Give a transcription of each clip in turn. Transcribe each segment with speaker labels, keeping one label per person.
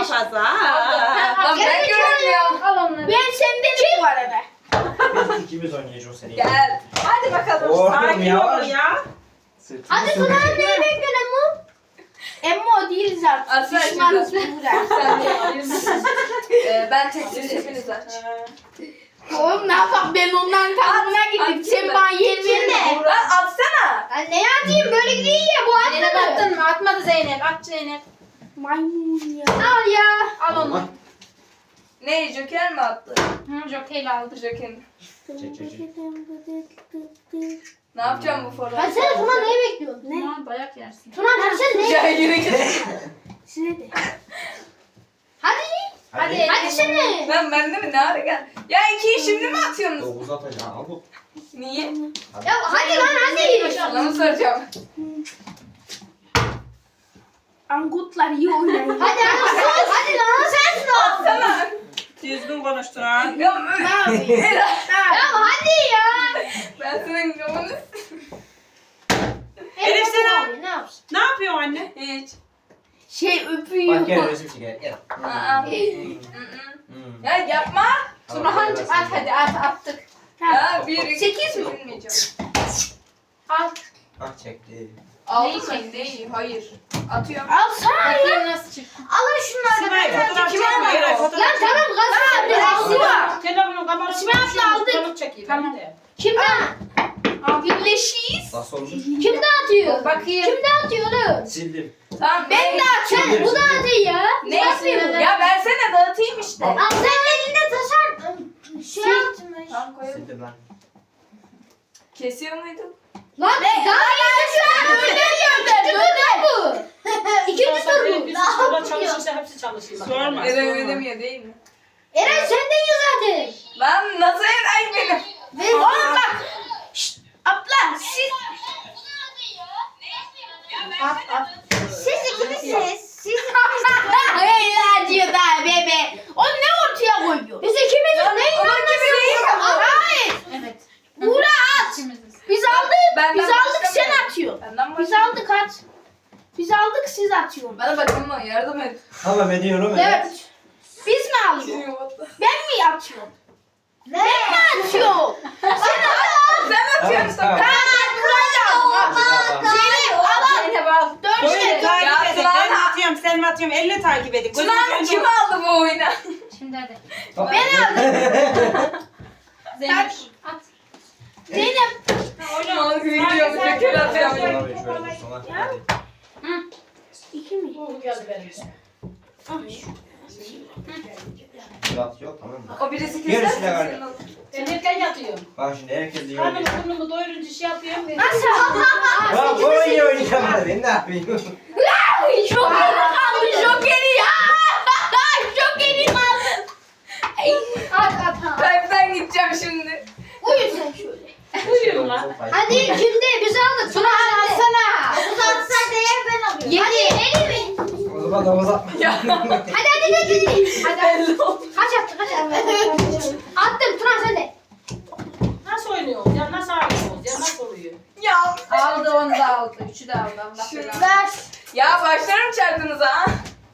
Speaker 1: fazla.
Speaker 2: Lan ben görmüyorum.
Speaker 3: Al onları.
Speaker 4: Ben sendenim bu arada.
Speaker 5: Biz ikimiz oynayacağız seni.
Speaker 2: Gel. Hadi bakalım.
Speaker 5: Oğlum
Speaker 1: Sakin
Speaker 5: yavaş.
Speaker 1: ol ya.
Speaker 4: Hadi Tuna neyi bekliyorsun Emmo? Emmo değiliz artık.
Speaker 2: Aslan
Speaker 4: Düşmanız
Speaker 2: şimdi.
Speaker 4: burada.
Speaker 2: Sen de ben tekstil hepiniz aç.
Speaker 4: Oğlum ne yapalım ben onların takımına gittim.
Speaker 2: at
Speaker 4: Sen
Speaker 2: şimdi.
Speaker 4: bana yer verme.
Speaker 2: Lan atsana.
Speaker 4: Ben ne yapayım böyle değil ya bu
Speaker 3: Zeynep
Speaker 4: atmadı.
Speaker 3: attın mı? Atmadı Zeynep. At Zeynep.
Speaker 4: Maymun ya. Al ya.
Speaker 3: Al onu.
Speaker 2: Ne Joker mi attı?
Speaker 3: Hı, jokeyle aldı.
Speaker 2: Joker'i.
Speaker 5: Çek.
Speaker 2: Ne yapacağım bu forma?
Speaker 4: Hadi sen Tuna neyi bekliyorsun? Ne?
Speaker 3: Aman dayak yersin.
Speaker 4: Tuna sen ne?
Speaker 2: Ya yürü git.
Speaker 4: Size de. Hadi.
Speaker 3: Hadi.
Speaker 4: Hadi seni.
Speaker 2: Lan bende mi ne ara gel? Ya ikiyi şimdi mi atıyorsunuz?
Speaker 5: 9 atacaksın al bu.
Speaker 2: Niye?
Speaker 4: Ya hadi lan hadi.
Speaker 2: Sana mı soracağım?
Speaker 4: Angutlar iyi oynayın. Hadi hadi hadi lan sen Tuna.
Speaker 2: Atsana.
Speaker 1: Düzgün konuştun ha.
Speaker 2: Ya
Speaker 4: Ne yapayım? Ya hadi ya.
Speaker 2: ben senin kafanı...
Speaker 1: Elif sen al.
Speaker 4: Ne yapsın?
Speaker 1: Ne yapıyorsun anne?
Speaker 2: Hiç.
Speaker 4: Şey öpüyor.
Speaker 5: Bak gel resim çek gel.
Speaker 2: Aa. Ya yapma.
Speaker 3: Turhan'cığım at hadi attık.
Speaker 2: Ya bir iki.
Speaker 4: 8 mi?
Speaker 2: Bilmeyeceğim.
Speaker 3: Al.
Speaker 5: Bak çekti.
Speaker 2: Aldım ben değil. Hayır. Atıyorum.
Speaker 4: Alsana ya.
Speaker 3: Bakayım nasıl çıktı.
Speaker 4: Alın şunları.
Speaker 1: Sibel fotoğraf
Speaker 2: Kim
Speaker 1: çekme.
Speaker 2: alıyor?
Speaker 1: Eray fotoğraf
Speaker 4: Lan
Speaker 1: çekme.
Speaker 4: tamam kazandı. Sibel.
Speaker 1: Telefonun kamerası.
Speaker 4: Sibel abla aldık.
Speaker 1: Fotoğraf çekeyim.
Speaker 3: Tamam.
Speaker 4: Kimden? Birleşiyiz.
Speaker 5: Nasıl olmuş?
Speaker 4: Kim dağıtıyor?
Speaker 3: Bakayım.
Speaker 4: Kim dağıtıyor oğlum?
Speaker 5: Sildim.
Speaker 2: Tamam.
Speaker 4: Ben dağıtıyorum. Bu dağıtıyor ya.
Speaker 2: Ne
Speaker 4: yapıyor?
Speaker 2: Ya versene dağıtayım işte.
Speaker 4: Al sen elinde taşar. Şey yapmış.
Speaker 2: Tamam koyalım.
Speaker 5: Sildim lan.
Speaker 2: Kesiyor muydun?
Speaker 4: Lan daha iyi şu an öldürüyor. Bu. İkinci tur bu.
Speaker 1: Bir sınavda çalışırsa hepsi çalışır. Sorma.
Speaker 2: Eren ödemiyor değil mi?
Speaker 4: Eren senden yiyor zaten.
Speaker 2: Lan nasıl Eren benim?
Speaker 4: Ve oğlum bak. Şşt, abla siz.
Speaker 3: At.
Speaker 4: Siz ikimisiniz. Siz Hayır diyor daha bebe. O ne ortaya koyuyor? Biz ikimiziz. Ne inanmıyorsun? Hayır.
Speaker 3: Evet.
Speaker 4: Buğra at.
Speaker 3: İkimiziz.
Speaker 4: Biz aldık.
Speaker 2: Benden
Speaker 4: Biz aldık sen
Speaker 2: başlamıyorum.
Speaker 4: atıyorsun.
Speaker 2: Benden
Speaker 4: Biz
Speaker 2: başla.
Speaker 4: aldık at. Biz aldık siz atıyorsun.
Speaker 2: Bana bak ama yardım et.
Speaker 5: Tamam ediyorum.
Speaker 4: Evet. Biz mi alıyoruz? Ben mi atıyorum? Ben mi atıyorum? Sen at.
Speaker 2: Sen atıyorsun.
Speaker 5: Tamam.
Speaker 4: Ben kuracağım. Zeynep al.
Speaker 3: Zeynep al.
Speaker 4: Dört
Speaker 1: Böyle
Speaker 4: işte.
Speaker 1: takip
Speaker 2: Ya
Speaker 1: edin.
Speaker 2: Tuna-
Speaker 1: Ben mi atıyorum sen mi atıyorsun? Elle takip edin. Gözünüzün
Speaker 2: Tuna
Speaker 1: önünde
Speaker 2: kim
Speaker 1: olsun.
Speaker 2: aldı bu oyunu?
Speaker 3: Şimdi hadi.
Speaker 4: Ben aldım.
Speaker 3: Zeynep at.
Speaker 4: Zeynep.
Speaker 2: Mal gibi gidiyorum. Joker atıyorum.
Speaker 5: Şöyle bir sona. Hadi.
Speaker 4: İki mi?
Speaker 5: Murat yok tamam mı?
Speaker 2: O birisi
Speaker 5: Yarısı
Speaker 2: keser.
Speaker 5: da var.
Speaker 2: senin olsun.
Speaker 3: Ben erken yatıyorum.
Speaker 5: Bak şimdi herkes iyi
Speaker 3: Karnımı
Speaker 5: oynuyor.
Speaker 3: burnumu doyurunca şey yapıyorum.
Speaker 4: Nasıl?
Speaker 5: Bak bu iyi oynayamadı. Ben ne yapayım?
Speaker 4: Joker'i kaldı Joker'i ya. Joker'i kaldı. At.
Speaker 2: Kalpten gideceğim şimdi.
Speaker 4: Uyu sen şöyle.
Speaker 3: Uyuyorum lan.
Speaker 4: Hadi kimde? Biz aldık. Tuna alsana. Dokuz atsan değer ben alıyorum. Hadi elimi.
Speaker 5: O zaman da uzatma.
Speaker 4: Hadi.
Speaker 2: Belli oldu.
Speaker 4: Kaç attın kaç attın? Attım Tuna sen de.
Speaker 3: Nasıl oynuyoruz ya? Nasıl oynuyoruz ya? Nasıl oluyor?
Speaker 2: Ya.
Speaker 3: Aldı onu da aldı. Üçü de aldı. Allah
Speaker 2: Şunu
Speaker 3: belanı.
Speaker 4: Ver.
Speaker 2: Ya başlarım çarptınıza ha.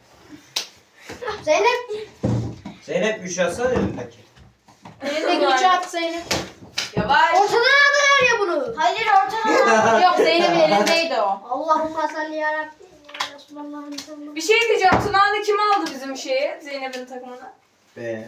Speaker 4: Zeynep.
Speaker 5: Zeynep 3 atsana elindeki.
Speaker 3: Elindeki üçü at Zeynep.
Speaker 2: Yavaş.
Speaker 4: Ortadan aldılar ya bunu. Hayır ortadan.
Speaker 3: Yok Zeynep'in elindeydi o.
Speaker 4: Allahümme salli yarabbim. Ya Resulallah'ın sallallahu.
Speaker 2: Bir şey diyeceğim. Tuna'nı kim aldı bizim şeyi? Zeynep'in takımına.
Speaker 5: Ben.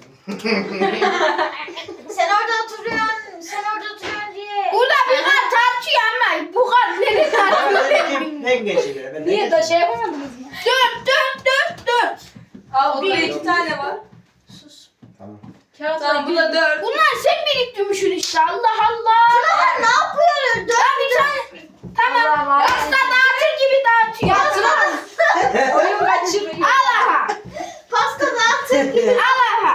Speaker 4: Sen orada oturuyorsun diye. Burada bir kar tartıyor ama bu kar nereye tartıyor?
Speaker 5: Ne geçiyor? Ben
Speaker 3: Niye da şey yapamadınız mı?
Speaker 4: Dört.
Speaker 2: Al burada 2 tane var.
Speaker 5: Tamam.
Speaker 3: Kağıt
Speaker 2: Tamam bu da 4.
Speaker 4: Bunlar sen biriktirmişsin işte Allah Allah. Sıralar ne yapıyorsun? Dört bir tane. Tamam.
Speaker 3: Allah.
Speaker 4: Pasta dağıtır gibi dağıtıyor.
Speaker 3: Oyun kaçırıyor.
Speaker 4: Allah'a. Pasta dağıtır gibi. Allah'a.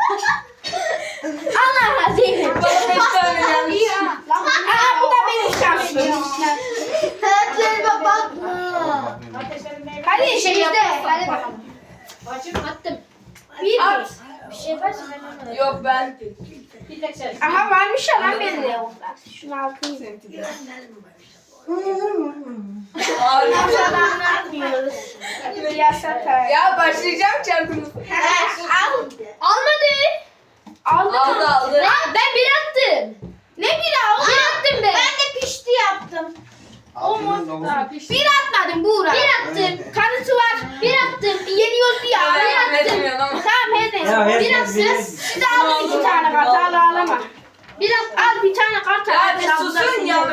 Speaker 4: Allah'a Zeynep.
Speaker 2: Bana 5 tane gelmiş.
Speaker 4: Aa bu da benim şansım. Hayatlarıma bakma.
Speaker 3: Ateşlerin
Speaker 4: Hadi
Speaker 3: şey
Speaker 4: işte.
Speaker 3: yapmazsan
Speaker 4: Hadi
Speaker 3: bakalım.
Speaker 4: bakalım.
Speaker 3: Bacım
Speaker 4: Attım. Bir.
Speaker 2: At.
Speaker 4: Bir şey yaparsın ben onu.
Speaker 2: Yok ben.
Speaker 3: bir tek şey.
Speaker 4: Aha varmış ya lan benim de onda. Şunu al kıyım. Anlatmıyoruz.
Speaker 2: Ya başlayacağım çarpınız.
Speaker 4: Almadı.
Speaker 2: Aldı.
Speaker 4: Ben bir attım. Ne bir al? Bir attım ben. Ben de pişti yaptım.
Speaker 5: Altının domuzu.
Speaker 4: Bir atmadım Buğra. Bir attım. Kanıtı var. Bir attım. Yeniyordu ya. Bir attım. Tamam her neyse.
Speaker 5: Ya,
Speaker 4: Bir
Speaker 5: herkes
Speaker 4: attım.
Speaker 5: bilir.
Speaker 4: Siz de alın 2 tane kart. Ağlama. Bir al bir tane kart.
Speaker 2: Ya bir susun ya.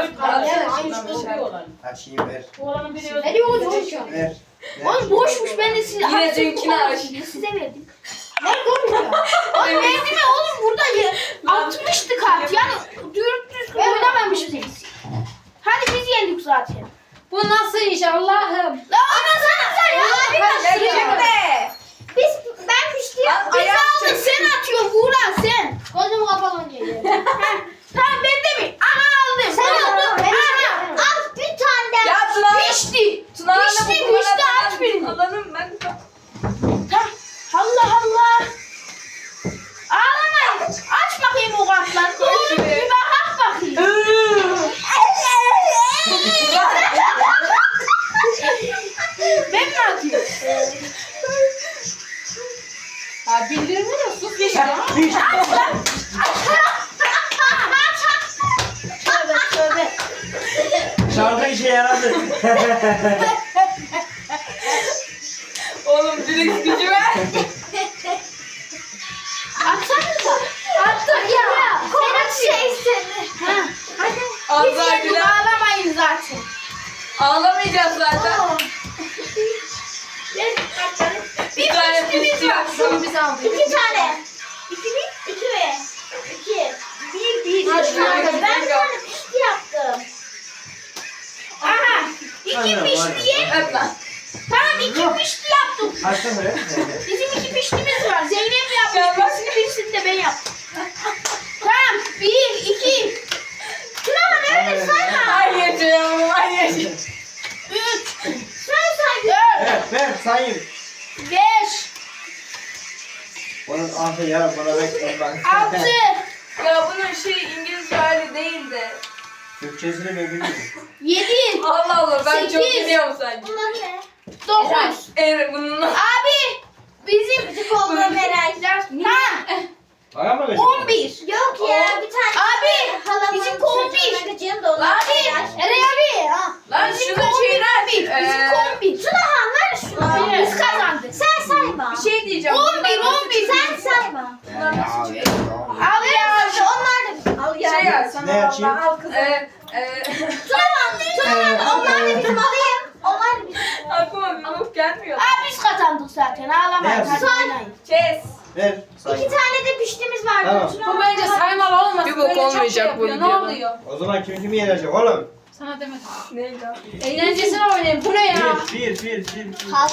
Speaker 5: Açayım ver.
Speaker 3: Oğlanın biri öldü.
Speaker 4: Ne diyor çocuk?
Speaker 5: Ver.
Speaker 4: Oğlum boşmuş ben de size
Speaker 2: Yine dünkünü aç.
Speaker 4: Size verdim. Ne konuşuyor? Oğlum verdi mi oğlum burada 60'tı kart. Yani düzgün oynamamışsınız. Hadi biz yendik zaten.
Speaker 3: Bu nasıl iş Allah'ım?
Speaker 4: La ama sana ya. Bir başlıyor. Ben pişti ya. Biz aldık sen atıyorsun Buğra sen. Gözümü kapalı geliyor. Tamam ben de mi? Aha aldım. Sen aldın. Aha. Al bir tane daha.
Speaker 2: Ya Tuna.
Speaker 4: Pişti.
Speaker 2: Tunağını
Speaker 4: Pişti aç birini.
Speaker 2: Alalım ben.
Speaker 4: Tamam. Allah Allah. Ağlamayın. Aç bakayım o kartları. Doğru bir bak bakayım. Ben mi atıyorum?
Speaker 3: Ha bildirmiyor sus geçti.
Speaker 4: Tövbe tövbe.
Speaker 5: Şarkı işe yaradı.
Speaker 2: Oğlum direkt gücü ver.
Speaker 4: Atsanıza. Attık ya. Senin şey seni. Hadi. Biz
Speaker 2: Allah
Speaker 4: yendik
Speaker 2: güler.
Speaker 4: ağlamayın zaten.
Speaker 2: Ağlamayacağız zaten.
Speaker 4: Bir
Speaker 2: tane
Speaker 4: piştimiz
Speaker 2: pişti.
Speaker 4: var.
Speaker 2: Şunu biz aldık.
Speaker 4: 2 tane. 2 mi? 2 mi? 2. 1
Speaker 2: Hadi
Speaker 4: 1 tane.
Speaker 2: bakalım.
Speaker 4: Ben bir tane pişti yaptım. Aha. 2
Speaker 5: Aynen,
Speaker 4: pişti.
Speaker 5: aynen.
Speaker 2: Öp lan.
Speaker 4: Tamam 2 pişti yaptım.
Speaker 5: Açtın mı?
Speaker 4: Bizim 2 piştimiz var. Zeynep yapmış. Birisini de ben yaptım. Tamam. 1 2. Tuna öyle sayma.
Speaker 2: Hayır canım hayır.
Speaker 4: 3. Sen say. 4.
Speaker 5: Ver sayayım.
Speaker 4: 5.
Speaker 5: Onun altı yarım bana bekleyin bak.
Speaker 4: 6.
Speaker 2: Ya bunun şey İngilizce hali değil de.
Speaker 5: Türkçesini ben bilmiyorum.
Speaker 4: 7.
Speaker 2: Allah Allah ben çok
Speaker 4: Sekiz.
Speaker 2: biliyorum sanki.
Speaker 4: Bunlar ne? 9.
Speaker 2: Evet bunun.
Speaker 4: Abi bizim küçük olduğum herhalde. Ha.
Speaker 5: Bana mı verecek?
Speaker 4: 11. Yok ya bir tane. Abi bizim 11. Abi. Eray abi. Ha.
Speaker 2: Lan
Speaker 4: Bizim
Speaker 2: şunun
Speaker 4: 11
Speaker 2: şeyini
Speaker 4: abi. Bizim 11. Şuna ver şunu.
Speaker 2: Evet.
Speaker 4: Biz kazandık. Sen sayma.
Speaker 2: Bir şey diyeceğim.
Speaker 4: 11. Sen sayma. Al ya. Onlar da. Al ya.
Speaker 2: Şey ya sana
Speaker 5: Ne açayım?
Speaker 2: vallahi al kızım.
Speaker 4: Tamam. Onlar da bizim alayım. Onlar da bizim.
Speaker 2: Aklıma bir bok gelmiyor.
Speaker 4: Abi biz kazandık zaten. Ağlamayın.
Speaker 5: Ne
Speaker 4: Hadi
Speaker 5: yapayım?
Speaker 4: oynayın.
Speaker 2: Kes.
Speaker 5: Ver sayayım.
Speaker 4: tane de piştimiz vardı.
Speaker 5: Tamam.
Speaker 3: Bu bence saymalı olmasın.
Speaker 2: Bir bok
Speaker 3: Böyle çok
Speaker 2: olmayacak
Speaker 3: şey
Speaker 2: bu
Speaker 3: yapıyor. Ne
Speaker 2: videoda.
Speaker 3: oluyor?
Speaker 5: O zaman kimi yenecek oğlum?
Speaker 3: Sana demedim.
Speaker 2: Neydi o?
Speaker 3: Eğlencesine oynayın. Bu ne ya?
Speaker 5: Bir.